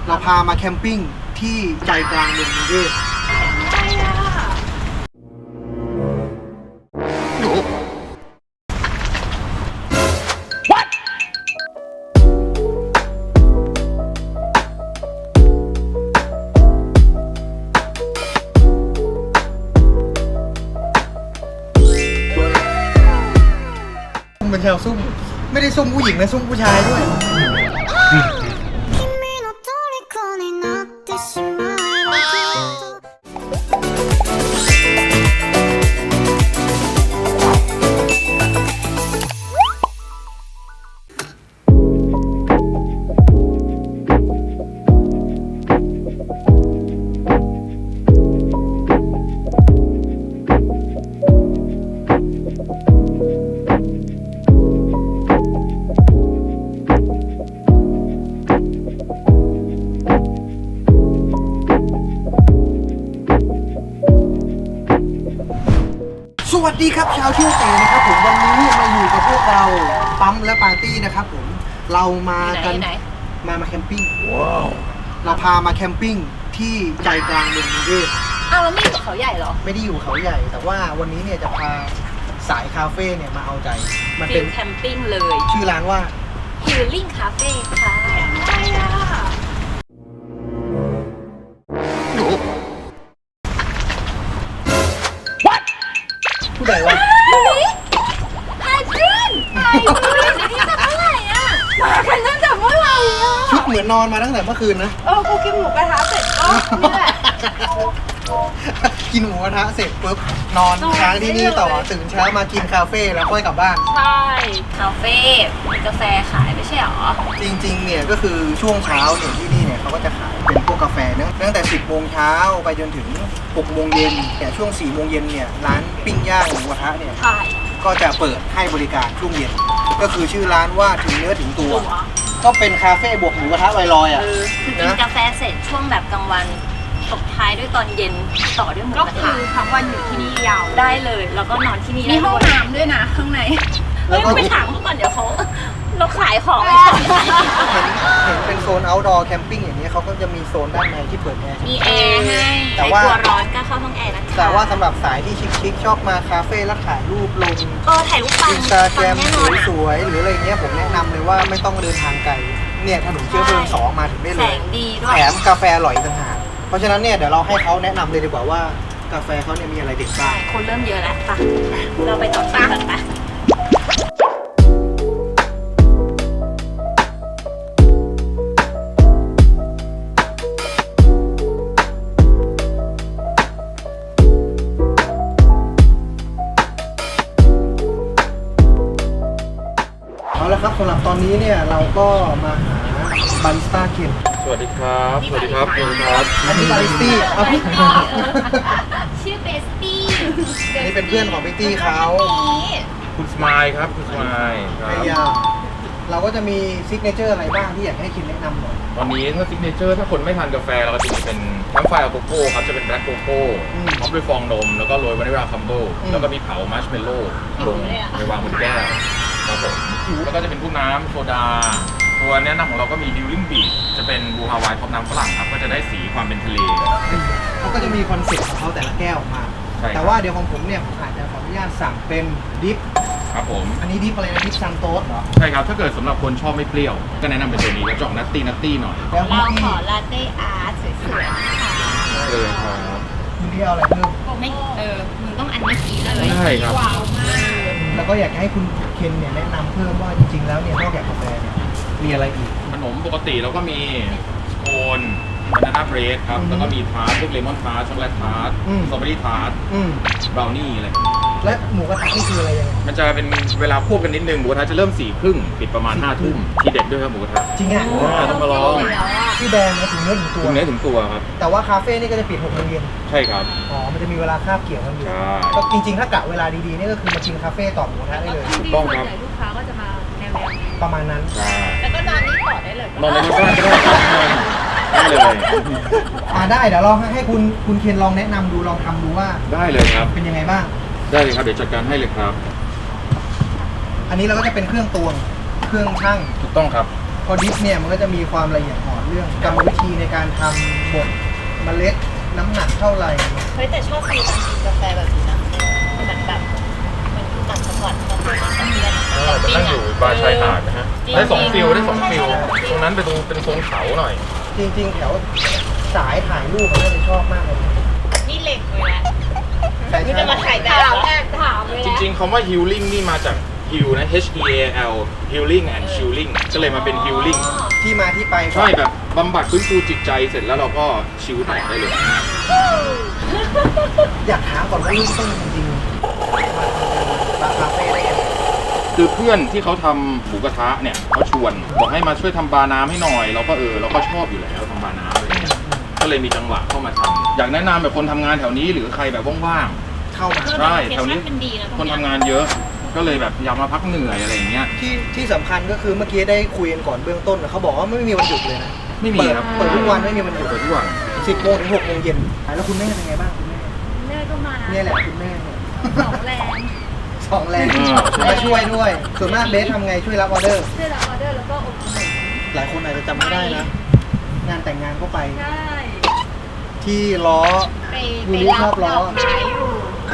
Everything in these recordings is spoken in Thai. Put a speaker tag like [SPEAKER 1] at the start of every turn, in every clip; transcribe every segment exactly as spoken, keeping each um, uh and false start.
[SPEAKER 1] เราพามาแคมปิ้งที่ใจกลางเมืองกรุงเทพเป็นแถวซุ่มไม่ได้ซุ่มผู้หญิงนะซุ่มผู้ชายด้วยสวัสดีครับชาวเที่ยวเต๋นะครับผมวันนี้มาอยู่กับพวกเราปั๊มและปาร์ตี้นะครับผมเรามากันมามาแคมปิ้งว้าวเราพามาแคมปิ้งที่ใจกลางเมืองกรุงเทพ
[SPEAKER 2] อ้าวแล้วไม่อยู่เขาใหญ่เหรอ
[SPEAKER 1] ไม่ได้อยู่เขาใหญ่แต่ว่าวันนี้เนี่ยจะพาสายคาเฟ่เนี่ยมาเอาใจ
[SPEAKER 2] มันเป็นแคมปิ้งเลย
[SPEAKER 1] ชื่อร้านว่า
[SPEAKER 2] Healing Cafe ค่ะ
[SPEAKER 1] ผู้ใดวะ
[SPEAKER 2] ไฮจินไฮจินนี่จะเมื่อไหร่อ่ะมากันตั้งแต่เมื่อไหร่อ่ะ
[SPEAKER 1] ชุดเหมือนนอนมาตั้งแต่เมื่อคืนนะ
[SPEAKER 2] เออกูกินหมูกระทะเสร็จก็นี่แหละ
[SPEAKER 1] กินหมูกระทะเสร็จปุ๊บนอนค้างที่นี่ต่อตื่นเช้ามากินคาเฟ่แล้วค่อยกลับบ้าน
[SPEAKER 2] ใช่คาเฟ่มีกาแฟขายไม่ใช่หรอ
[SPEAKER 1] จริงๆเนี่ยก็คือช่วงเช้าเนี่ยที่นี่เนี่ยเขาก็จะขายเป็นพวกกาแฟเนอะตั้งแต่สิบโมงเช้าไปจนถึงหกโมงเย็นแต่ช่วงสี่โมงเย็นเนี่ยร้านปิ้งย่างหมูกระทะเนี่ยก็จะเปิดให้บริการช่วงเย็นก็คือชื่อร้านว่าถึงเนื้อถึงตัวก็เป็นคาเฟ่บวกหมูกระทะลอยๆอ่ะ
[SPEAKER 2] คือกินกาแฟเสร็จช่วงแบบกลางวันตบท้ายด้วยตอนเย็นต่อด้วยหมูกระทะก็คือทั้งวันอยู่ที่นี่ยาวได้เลยแล้วก็นอนที่นี่มีห้องน้ำด้วยนะข้างในเฮ้ยไปถามเขาก่อนเดี๋ยวเขาเราขายของอะไรเ
[SPEAKER 1] ห็นเห็นเป็นโซน outdoor camping อย่างนี้เขาก็จะมีโซนด้านในที่เปิดแอร์
[SPEAKER 2] มีแอร์ให้แต่ว่ากลัวร้อนก็เข้าห้องแอร์นะคะ
[SPEAKER 1] แต่ว่าสำหรับสายที่ชิคๆชอบมาคาเฟ่แล้วถ่ายรูปลง
[SPEAKER 2] เออถ่ายรูปปัง
[SPEAKER 1] อินสตาแกรมสวยๆหรืออะไรเงี้ยผมแนะนำเลยว่าไม่ต้องเดินทางไกลเนี่ยถนนเชื้อเพลิงสองมาถึงได้เลย
[SPEAKER 2] แสงดีด้วย
[SPEAKER 1] แถมกาแฟอร่อยต่างหากเพราะฉะนั้นเนี่ยเดี๋ยวเราให้เขาแนะนำเลยดีกว่าว่ากาแฟเขาเนี่ยมีอะไรเด็ดบ้าง
[SPEAKER 2] คนเริ่มเยอะแล้วป่ะเราไปต่อที่กันป่ะ
[SPEAKER 1] เอาละครับสำหรับตอนนี้เนี่ยเราก็มาหาบาริสต้าเคน
[SPEAKER 3] สวัสดีครับสวัสดีครับสวัสดีครับ
[SPEAKER 1] อันนี้บาริสตี้เอาพี่
[SPEAKER 2] ชื่อเบสตี้
[SPEAKER 1] อันนี้เป็นเพื่อนของพี่ตี้เขา
[SPEAKER 3] คุณสมายครับคุณสมายครับ
[SPEAKER 1] เราก็จะมีซิกเนเจอร์อะไรบ้างที่อยากให้คินแนะนำหน่อย
[SPEAKER 3] ตอนนี้ถ้าซิกเนเจอร์ถ้าคนไม่ทานกาแฟเราก็จะมีเป็นแคมป์ไฟร์โกโก้ครับจะเป็นแบล็คโกโก้ท็อปด้วยฟองนมแล้วก็โรยวานิลลาคัมเบิลแล้วก็มีเผามัชเมลโล่ลงในวางบนแก้วครับผมแล้วก็จะเป็นพวกน้ำโซดาตัวแนะนำของเราก็มีดิวลิ่งบีชจะเป็นบูฮาวายท็อปน้ำฝรั่งครับก็จะได้สีความเป็นทะเล
[SPEAKER 1] เขาก็จะมีคอนเซ็ปต์ของเขาแต่ละแก้วออกมาแต่ว่าเดี๋ยวของผมเนี่ยผมอาจจะขออนุญาตสั่งเป็นดิฟ
[SPEAKER 3] ครับผม
[SPEAKER 1] อันนี้ดิฟอะไรนะดิฟซันโต๊สเหรอ
[SPEAKER 3] ใช่ครับถ้าเกิดสำหรับคนชอบไม่เปรี้ยวก็แนะนำเป็นตัวนี้ก็จะออกนัตตี้นัตตี้หน่อย
[SPEAKER 2] เราขอลาเต้อาร์ตสวยๆค่ะ
[SPEAKER 3] เลยครับ
[SPEAKER 1] คุณนี่เอาอะไรเพิ่ม
[SPEAKER 2] ไม่เออมึงต้องอันนี้สีเลย
[SPEAKER 3] ใช่ครับ
[SPEAKER 2] ว้าวมาก
[SPEAKER 1] แล้วก็อยากให้คุณเคนเนี่ยแนะนำเพิ่มว่าจริงๆแล้วเนี่ยนอกจากกาแฟเนี่ยมีอะไรอีก
[SPEAKER 3] ขนมปกติเราก็มีสโคนบานาน่าเบรดครับแล้วก็มีทาร์ตพวกเลมอนทาร์ตช็อกโกแลตทาร์ตสตรอเบอรี่ทาร์ตบราวนี่อะไร
[SPEAKER 1] และหมูกระทะนี่คืออะไรยังไง
[SPEAKER 3] มันจะเป็นเวลาควบกันนิดนึงหมูกระทะจะเริ่มสี่ครึ่งปิดประมาณห้าทุ่มทีเด็ดด้วยครับหมูกระทะ
[SPEAKER 1] จริงอ่ะ
[SPEAKER 3] ต้องมาลอง
[SPEAKER 1] ที่แบรนด์ถึงเนื้อถึงตัว
[SPEAKER 3] ถึงเนื้อถึงตัวครับ
[SPEAKER 1] แต่ว่าคาเฟ่นี่ก็จะปิดหกโมงเย็น
[SPEAKER 3] ใช่ครับ
[SPEAKER 1] อ๋อมันจะมีเวลาคาบเกี่ยวกันอยู่ก็จริงๆถ้ากะเวลาดีๆนี่ก็คือมากินคาเฟ่ต่อหมูกระทะได้เลย
[SPEAKER 3] ถูกต้องครับ
[SPEAKER 2] ลูกค้าก็จะมาแนวๆ
[SPEAKER 1] ประมาณนั้น
[SPEAKER 2] แล้วก็นอนนี่ต่อได้เลย
[SPEAKER 3] นอนในบ้านก็ได้เลย
[SPEAKER 1] อ่าได้เดี๋ยวลองให้คุณคุณเคนลองแนะนำดูลองทำดูว่า
[SPEAKER 3] ได้เลยครับ
[SPEAKER 1] เป็นยังไงบ้าง
[SPEAKER 3] ได้เลยครับเดี๋ยวจัดการให้เลยครับ
[SPEAKER 1] อันนี้เราก็จะเป็นเครื่องตวงเครื่องชั่ง
[SPEAKER 3] ถูกต้องครับ
[SPEAKER 1] พอดิฟเนี่ยมันก็จะมีความละเอียดอ่อนเรื่องกรรมวิธีในการทำบดเมล็ดน้ำหนักเท่าไหร่
[SPEAKER 2] เฮ้ยแต่ชอบฟีลการกินกาแฟแบบนี้นะเหมือนแบบเหมือนต่างจังหวัดบางคนก็มี
[SPEAKER 3] เออจะนั่งอยู่บาร์ชายหาดนะฮะได้สองฟิลได้สองฟิลตรงนั้นเป็นตรงเป็นโซนเขาหน่อย
[SPEAKER 1] จริงๆแถวสายถ่ายรูปมันน่าจะชอบมากเลย
[SPEAKER 2] นี่เหล็กเลยแหละ
[SPEAKER 1] ใช่
[SPEAKER 2] ไม่จะมา
[SPEAKER 1] ใช่
[SPEAKER 2] ถ่ายแบบแอบถามเลย
[SPEAKER 3] จริงๆคำว่า healing นี่มาจาก heal นะ H E A L healing and chilling ก็เลยมาเป็น healing
[SPEAKER 1] ที่มาที่ไป
[SPEAKER 3] ใช่แบบบำบัดฟื้นฟูจิตใจเสร็จแล้วเราก็ชิลต่อได้เลย
[SPEAKER 1] อยากถามก่อนว่าลูกต้นจริงๆมาคาเฟ่ได้ยังไง
[SPEAKER 3] คือเพื่อนที่เขาทำหมูกระทะเนี่ยเขาชวนบอกให้มาช่วยทำบาร์น้ำให้หน่อย เราก็เออเราก็ชอบอยู่แล้วทำบาร์น้ำอะไรเงี้ยก็เลยมีจังหวะเข้ามาทำอยากแนะนำแบบคนทำงานแถวนี้หรือใครแบบว่าง
[SPEAKER 1] เข้ามา
[SPEAKER 3] ๆใช่แถวนี้
[SPEAKER 2] เป็นดีนะ
[SPEAKER 3] คนทำงานเยอะ ก็เลยแบบอยากมาพักเหนื่อยอะไรอย่างเงี้ย
[SPEAKER 1] ที่ที่สำคัญก็คือเมื่อกี้ได้คุยกันก่อนเบื้องต้นนะเขาบอกว่าไม่มีวันหยุดเลยนะ
[SPEAKER 3] ไม่มี
[SPEAKER 1] เปิด
[SPEAKER 3] ครับ
[SPEAKER 1] เปิดทุกวันไม่มีวันหยุด
[SPEAKER 3] เปิดทุกวัน
[SPEAKER 1] สิบโมงถึงหกโมงเย็นแล้วคุณแม่เป็นไงบ้างคุณแม่
[SPEAKER 2] แม่ก็มา
[SPEAKER 1] เนี่ยแหละคุณแม่เนี่ย
[SPEAKER 2] สองแรง
[SPEAKER 1] สองแรงมาช่วยด้วยส่วนมากเบสทำไงช่วยรับออเดอร์
[SPEAKER 2] ช่วยรับออเดอร์แล้วก็อบขนม
[SPEAKER 1] หลายคนอาจจะจำไม่ได้นะ งานแต่งงานก็ไป
[SPEAKER 2] ใช่
[SPEAKER 1] ที่ล้อ
[SPEAKER 2] ไป
[SPEAKER 1] ยูริชอบล้อ
[SPEAKER 2] ไปรับดกไม้อยู่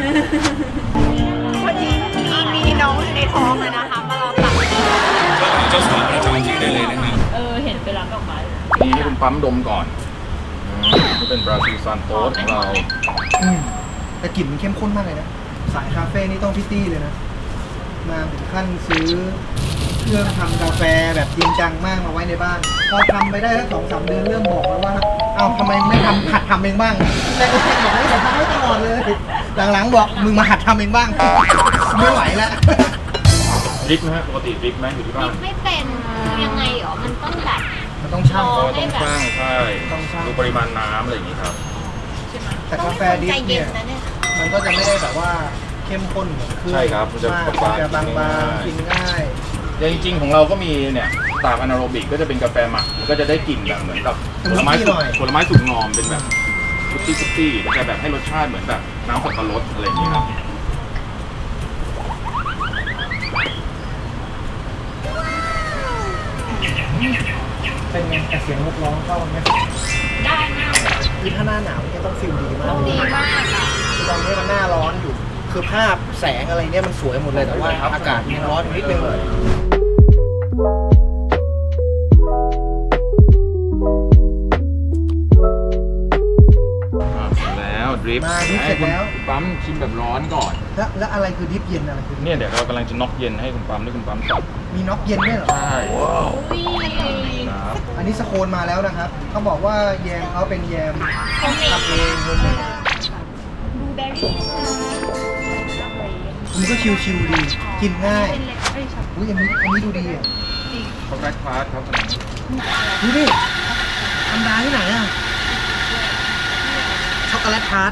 [SPEAKER 2] พอดีมีมีน้องอยู่ในท้องเลยนะคะมารอตัด
[SPEAKER 3] เจ้าสาวและเจ้าหน้าที่ได้เลยนะครับ
[SPEAKER 2] เออเห็นไปรับดอกไม้
[SPEAKER 3] นี่ให้คุณปั๊มดมก่อนอืมนี่เป็นบราซิลซานโตสของเรา
[SPEAKER 1] อืมแต่กลิ่นมันเข้มข้นมากเลยนะ สายคาเฟ่นี่ต้องพิตตี้เลยนะ มาถึงขั้นซื้อเครื่องทำกาแฟแบบจริงจังมากมาไว้ในบ้าน พอทำไปได้แล้วสองสามเดือนเริ่มบอกแล้วว่า เอ้าทำไมไม่ทำหัดทำเองบ้าง แต่โอเคบอกให้ผมทำให้ตลอดเลย หลังๆบอกมึงมาหัดทำเองบ้าง ไม่ไหวแล้ว
[SPEAKER 3] ดริปไหมฮะปกติดริปไหมอยู่ที่บ้าน
[SPEAKER 2] ไม่เป็นยังไงหรอมันต้องแบบ
[SPEAKER 1] มันต้องช่าง
[SPEAKER 3] ก็ต้องช่างใช่
[SPEAKER 1] ต้องชั่ง
[SPEAKER 3] ดูปริมาณน้ำอะไรอย่างนี้ครับ
[SPEAKER 1] แต่กาแฟดิฟเนี่ย มันก็จะไม่ได้แบบว่าเข้มข้นเหมือนเครื่อง
[SPEAKER 3] ใช่ครับมันจะ
[SPEAKER 1] มาก
[SPEAKER 3] บางๆ
[SPEAKER 1] จะบางๆ
[SPEAKER 3] กิ
[SPEAKER 1] กิ
[SPEAKER 3] น
[SPEAKER 1] น
[SPEAKER 3] ง่าย
[SPEAKER 1] ง่าย
[SPEAKER 3] อย่างจริงๆของเราก็มีเนี่ยตากอนาโรบิกก็จะเป็นกาแฟหมักก็จะได้กลิ่นแบบเหมือนกับผลไม้สุกผลไม้สุกงอมเป็นแบบฟุตตี้ฟุตตี้มันจะแบบให้รสชาติเหมือนแบบน้ำสับปะรดอะไรอย่างนี้ครับ
[SPEAKER 1] เป็นไงแต่เสียงนกร้องเข้ากันไหม
[SPEAKER 2] ได้มาก
[SPEAKER 1] คือถ้าหน้าหนาวเนี่ยต้องฟิลดีมาก
[SPEAKER 2] ต้องดีมากอ่ะ
[SPEAKER 1] ตอนนี้มันหน้าร้อนอยู่ คือภาพแสงอะไรเนี่ยมันสวยหมดเลยแต่ว่าอากาศมันร้อนอยู่นิดนึง
[SPEAKER 3] อ่าเสร็จแล้วดริป
[SPEAKER 1] มาดิฟเสร็จแล้ว
[SPEAKER 3] คุณปั๊มชิมแบบร้อนก่อน
[SPEAKER 1] แล้วแล้วอะไรคือดิฟเย็นอะไรคือ
[SPEAKER 3] เนี่ยเดี๋ยวเรากำลังจะน็อกเย็นให้คุณปั๊มด้วยคุณปั๊มจับ
[SPEAKER 1] มีน็อกเย็นด้วยเหรอ
[SPEAKER 3] ใช่
[SPEAKER 2] อุ้ย
[SPEAKER 3] ครับ
[SPEAKER 1] อันนี้สโคนมาแล้วนะครับเขาบอกว่าแยมเขาเป็นแยม
[SPEAKER 2] คอมเมน
[SPEAKER 1] ทำเองโฮมเมด
[SPEAKER 2] บลูเบอร์รี่นะ
[SPEAKER 1] มันก็ชิวๆดีกินง่าย
[SPEAKER 2] เป็นเล็กเอ้ยช็อก
[SPEAKER 1] อุ้ยอันนี้อันนี้ดูดีอ่ะ
[SPEAKER 3] ช็อกโกแลตพาร์ทครับ
[SPEAKER 1] ดูดิธรรมดาที่ไหนอ่ะช็อกโกแลตทาร์ต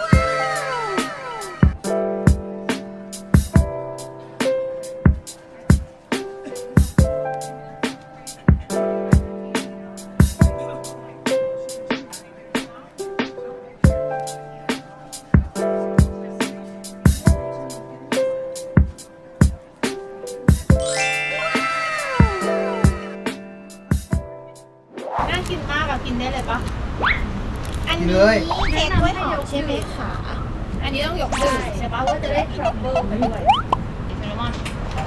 [SPEAKER 2] น่ากินมากอะกินได้เลยปะอัน
[SPEAKER 1] กิน
[SPEAKER 2] นี้
[SPEAKER 1] เลย
[SPEAKER 2] เค้กกล้วยหอมใช่ไหมคะอันนี้ต้องยกดื่มใช่ปะว่าจะได้ทรัฟเฟิลไปด้วยเซนามอน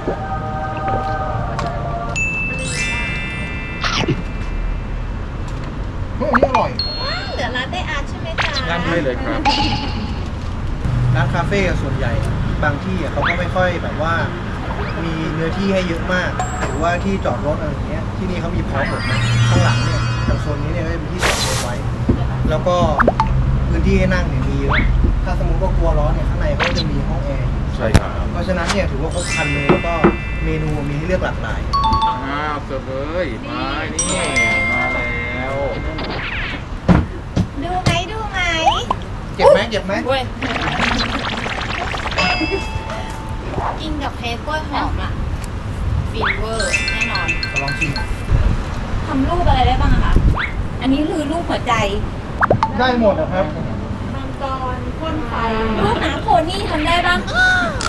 [SPEAKER 1] เฮ้ยอันนี้อร่อย
[SPEAKER 2] ว้าวเหลือร้านได้อาร์ตใช่ไหมจ๊ะ
[SPEAKER 3] ย่างได้เลยครับ
[SPEAKER 1] ร้านคาเฟ่อะส่วนใหญ่อะบางที่อะเขาก็ไม่ค่อยแบบว่า มีเนื้อที่ให้เยอะมาก หรือว่าที่จอดรถอะไรอย่างเงี้ยที่นี่เขามีพร้อมหมดนะข้างหลังเนี่ยทางโซนนี้เนี่ยก็จะเป็นที่จอดรถไว้ แล้วก็พื้นที่ให้นั่งเนี่ยมีเยอะถ้าสมมติว่ากลัวร้อนเนี่ยข้างในเขาก็จะมีห้องแอร์อยู่
[SPEAKER 3] ใช่ครับ
[SPEAKER 1] เพราะฉะนั้นเนี่ยถือว่าครบครันเลยแล้วก็เมนูมีให้เลือกหลากหลาย
[SPEAKER 3] อ้าวเสิร์ฟเลยมานี่มาแล้ว
[SPEAKER 2] ดูไหมดูไหม
[SPEAKER 1] เจ็บไหมเจ็บไหม
[SPEAKER 2] เว้ยกินกับเค้กกล้วยหอมอะฟินเวอร์แน่นอน
[SPEAKER 1] ลองชิม
[SPEAKER 2] ทำรูปอะไรได้บ้างอะคะ อันนี้คือรูปหัวใจ
[SPEAKER 1] ได้หมดนะครับ
[SPEAKER 2] มังกรพ่นไฟรูปน้ำโพนี่ทำได้บ้าง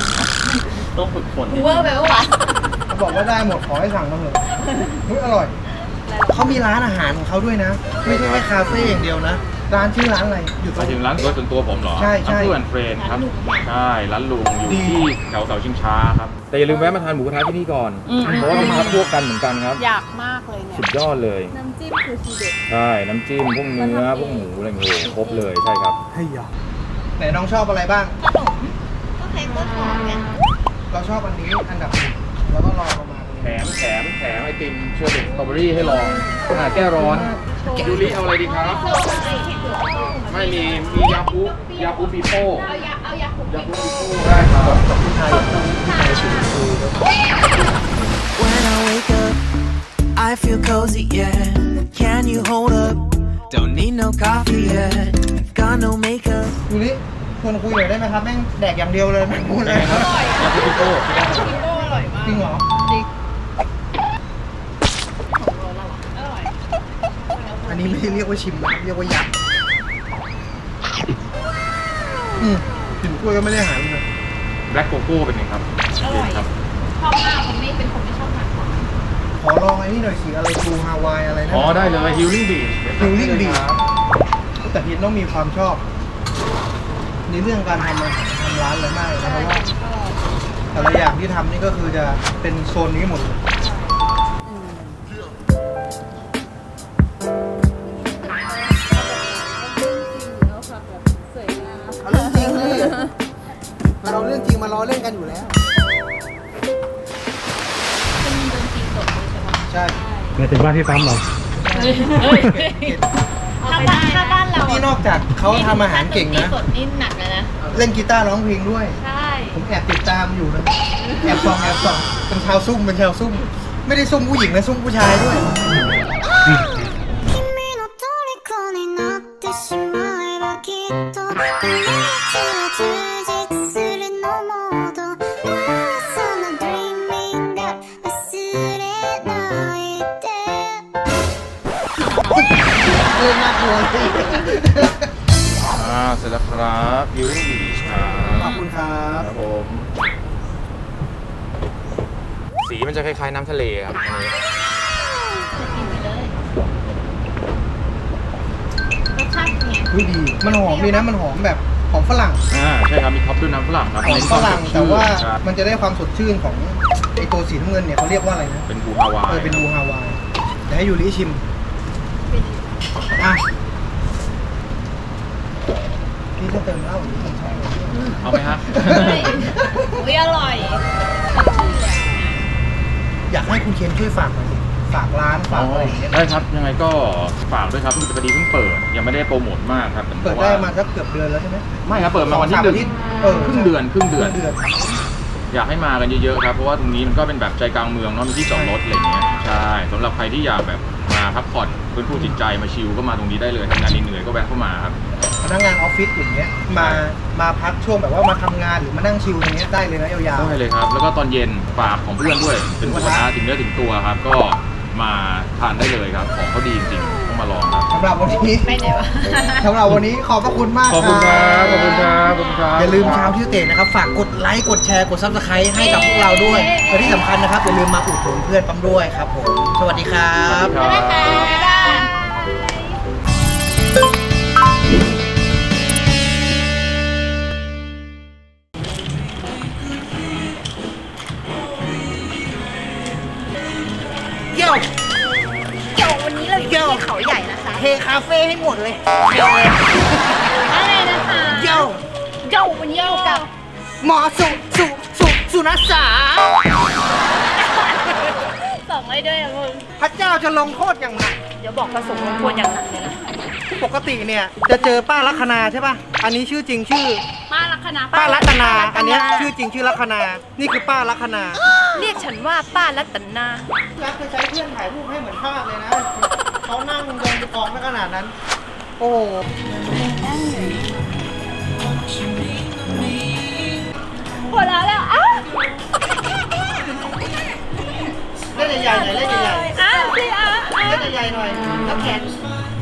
[SPEAKER 3] ต้องฝึกฝน
[SPEAKER 2] เวอร์ไปปะวะ
[SPEAKER 1] เขาบอกว่าได้หมดขอให้สั่งมาเถอะเฮ้ยอร่อย
[SPEAKER 2] อ
[SPEAKER 1] เขามีร้านอาหารของเขาด้วยนะ ไม่ใช่แค่คาเฟ่อย่างเดียวนะ ร้านชื่อร้านอะไรอยู่ต
[SPEAKER 3] ห
[SPEAKER 1] ร
[SPEAKER 3] มาย
[SPEAKER 1] ง
[SPEAKER 3] ถึงร้านรถส่วนตัวผมเหรอ
[SPEAKER 1] ใช่ใช่
[SPEAKER 3] เพื่อนเฟรนครับ ใช่ ร้านลุงอยู่
[SPEAKER 1] ดี
[SPEAKER 3] ที่แถวเสาชิงช้าครับ แต่อย่าลืมแวะมาทานหมูกระทะที่นี่ก่อน เพราะว่าเป็นพักพวกกันเหมือนกันครับ
[SPEAKER 2] อยากมากเลยเนี่ย
[SPEAKER 3] สุดยอดเลย
[SPEAKER 2] น้ำจิ้มคือทีเด็ด
[SPEAKER 3] ใช่ น้ำจิ้ม พวกเนื้อ พวกหมูอะไรเงี้ยครบเลย ใช่ครับ
[SPEAKER 1] ให้ยาไหนน้องชอบอะไรบ้าง
[SPEAKER 2] ขนมก็เค้กต้นหอมเนี่ย
[SPEAKER 1] เราชอบอันนี้อันดับหนึ่งแล้วก็รองลงมา
[SPEAKER 3] แถมแถมแถมไอติมเชอร์เบตสตรอเบอรี่ให้ลองอ่าแก้ร้อนยูริเอาอะไรดีครับ ไม่มี มียาคุยาคุปีโป้เอายาเอายาคุยาคุปีโป้ได้ครับ
[SPEAKER 1] กับผู้ชายผู้ชายชิมคือ
[SPEAKER 4] When I wake up, I feel cozy, yeah. Can you hold up? Don't need no coffee yet. Got no makeup.
[SPEAKER 1] ยูริชวนคุยหน่อยได้ไหมครับแม่งแดกอย่างเดียวเลยไม่พูดเลยครับ
[SPEAKER 3] ยาคุปีโป้ที่ได้
[SPEAKER 1] จริงเหรออันนี้ไม่ได้เรียกว่าชิมนะเรียกว่ายัดอืมกลิ่นกล้วยก็ไม่ได้หายเลย
[SPEAKER 3] แบล็กโกโก้เป็นไงครับเย็นครับ
[SPEAKER 2] ชอบมากผมไม่เป็นคนไม่ชอบทานของ
[SPEAKER 1] ขอลองไอ้นี่หน่อยสิอะไรบูฮาวายอะไรนะ
[SPEAKER 3] อ๋อได้เลย Healing Beach
[SPEAKER 1] Healing Beach แต่พีทต้องมีความชอบ ในเรื่องการทำอาหารทำร้านอะไรมากเลยนะเพราะว่าแต่ละอย่างที่ทำนี่ก็คือจะเป็นโซนนี้หมดเลยเอาเรื่องจริงเลยเราเรื่องจริงมาล้อเล่นกันอยู่แล้ว
[SPEAKER 2] เป็นดนตรีสดเลยใช่ไหม
[SPEAKER 1] ใช่
[SPEAKER 5] หมายถึงบ้านที่ซ้ำเหรอ
[SPEAKER 2] ถ้าบ้านถ้าบ้านเรา
[SPEAKER 1] นี่นอกจากเขาทำอาหารเก่งนะ
[SPEAKER 2] ดนตรีสดนี่หนักเลยนะ
[SPEAKER 1] เล่นกีตาร์ร้องเพลงด้วย
[SPEAKER 2] ใช่
[SPEAKER 1] ผมแอบติดตามอยู่นะ แอบส่องแอบส่องเป็นชาวซุ่มเป็นชาวซุ่ม ไม่ได้ซุ่มผู้หญิงนะซุ่มผู้ชายด้วย
[SPEAKER 6] 君の虜になってしまえばきっとこの夏は充実するのモードその dreaming が忘れないで
[SPEAKER 1] เล่นน่ากลัวสิ
[SPEAKER 3] อ่าเสร็จแล้วครับ Healing Beach ครับ
[SPEAKER 1] ขอบคุณครับ
[SPEAKER 3] ครับผม สีมันจะคล้ายๆน้ำทะเลครับอันนี้
[SPEAKER 2] กินไปเลยรสชาติเป็นไง
[SPEAKER 1] เฮ้ยดี มันหอมดีนะ มันหอมแบบหอมฝรั่ง
[SPEAKER 3] อ่าใช่ครับ มีท็อปด้วยน้ำฝรั่งครับ
[SPEAKER 1] หอมฝรั่ง
[SPEAKER 3] เน้น
[SPEAKER 1] แต่
[SPEAKER 3] คว
[SPEAKER 1] ว่า
[SPEAKER 3] สดชื่น
[SPEAKER 1] มันจะได้ความสดชื่นของไอตัวสีน้ำเงินเนี่ยเขาเรียกว่าอะไรนะ
[SPEAKER 3] เป็นบูฮาวาย
[SPEAKER 1] เออเป็นบูฮาวายเดี๋ยวให้ยูริชิม อ่ะนี่จะเติมเหล้าหรือผมชอบ
[SPEAKER 3] เอาไหมฮะ
[SPEAKER 2] อุ้ยอร่อย
[SPEAKER 1] อยากให้คุณเคนช่วยฝากหน่อยสิฝากร้านฝากอะไรอย่างเงี้ย
[SPEAKER 3] ได้ครับ ยังไงก็ฝากด้วยครับพอดีเพิ่งเปิด ยังไม่ได้โปรโมทมากครับ
[SPEAKER 1] เปิดได้มาสักเกือบเดือนแล้วใช่ไหม
[SPEAKER 3] ไม่ครับ เปิดมาวันที่
[SPEAKER 1] สอง
[SPEAKER 3] หนึ่ง
[SPEAKER 1] สามอาทิตย์เออ
[SPEAKER 3] ครึ่งเดือนครึ่งเดือน
[SPEAKER 1] เดือน
[SPEAKER 3] อยากให้มากันเยอะๆครับ เพราะว่าตรงนี้มันก็เป็นแบบใจกลางเมืองเนาะ มีที่จอดรถอะไรเงี้ย ใช่สำหรับใครที่อยากแบบมาพักผ่อนฟื้นฟูจิตใจมาชิลก็มาตรงนี้ได้เลยทำงานเหนื่อยๆก็แวะเข้ามาครับ
[SPEAKER 1] พนักงานออฟฟิศอย่างเงี้ยมามาพักช่วงแบบว่ามาทำงานหรือมานั่งชิลอย่างเงี้ยได้เลยนะยาว
[SPEAKER 3] ได้เลยครับ แล้วก็ตอนเย็นฝากของเพื่อนด้วย เป็นหมูกระทะถึงเนื้อถึงตัวครับ ก็มาทานได้เลยครับ ของเขาดีจริงๆต้องมาลองครับ
[SPEAKER 1] ๆสำหรับวันนี้
[SPEAKER 2] ไปไหนวะ
[SPEAKER 1] สำหรับวันนี้ขอบพระคุณมาก
[SPEAKER 3] ขอบคุณครับ ขอบคุณครับ ขอบคุณครับ
[SPEAKER 1] อย่าลืมเช้าที่เตะนะครับ ฝากกดไลค์กดแชร์กดซับสไครต์ให้กับพวกเราด้วยและที่สำคัญนะครับอย่าลืมมาอุดหนุนเพื่อนปั๊มด้วยครับผมสวัสดีครับ
[SPEAKER 3] สวัสดีครับ
[SPEAKER 2] บ๊ายบาย
[SPEAKER 1] เกี่ยว
[SPEAKER 2] เดี๋ยววันนี้เราอยู่ที่เขาใหญ่นะคะ
[SPEAKER 1] เทคาเฟ่ให้หมดเลย
[SPEAKER 2] อะไรนะคะ
[SPEAKER 1] เกี่ยว
[SPEAKER 2] เดี๋ยววันนี้อยู่กับ
[SPEAKER 1] หมอสุสุสุสุนัสสา
[SPEAKER 2] สองไว้ด้วยนะมึง
[SPEAKER 1] พระเจ้าจะลงโทษอย่างหนัก
[SPEAKER 2] เดี๋ยวบอกประสงค์ของควรอย่างหนักเลยนะ
[SPEAKER 1] ปกติเนี่ยจะเจอป้าลัคนาใช่ป่ะ อันนี้ชื่อจริงชื่อ
[SPEAKER 2] ป้าลัคนา
[SPEAKER 1] ป้ารัตนา
[SPEAKER 2] ป้
[SPEAKER 1] อันเนี้ยชื่อจริงชื่อลัคนา นี่คือป้าลัคนา
[SPEAKER 2] เรียกฉันว่าป้ารัตนา
[SPEAKER 1] รักจะใช้เพื่อนถ่ายรูปให้เหมือนภาพเลยนะ เขานั่งยองกองไม่ขนาดนั้น โอ้โห
[SPEAKER 2] หมดแล้วแล้วอ้าว
[SPEAKER 1] เล่นใหญ่ๆหน่อยเล่นใหญ่
[SPEAKER 2] อ้าวสิอ้าว
[SPEAKER 1] ๆเล่นใหญ่ๆหน่อยแล้วแขน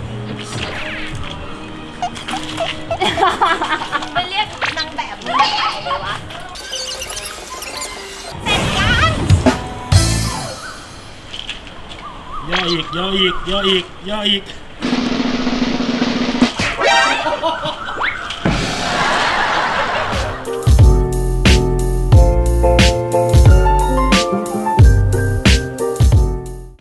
[SPEAKER 2] ไม่เรียกนางแบบมึงมาถ่ายเลยวะเสร็จยัง
[SPEAKER 3] เย้
[SPEAKER 5] ย่ออีกย่ออีกย่ออีกย่ออีก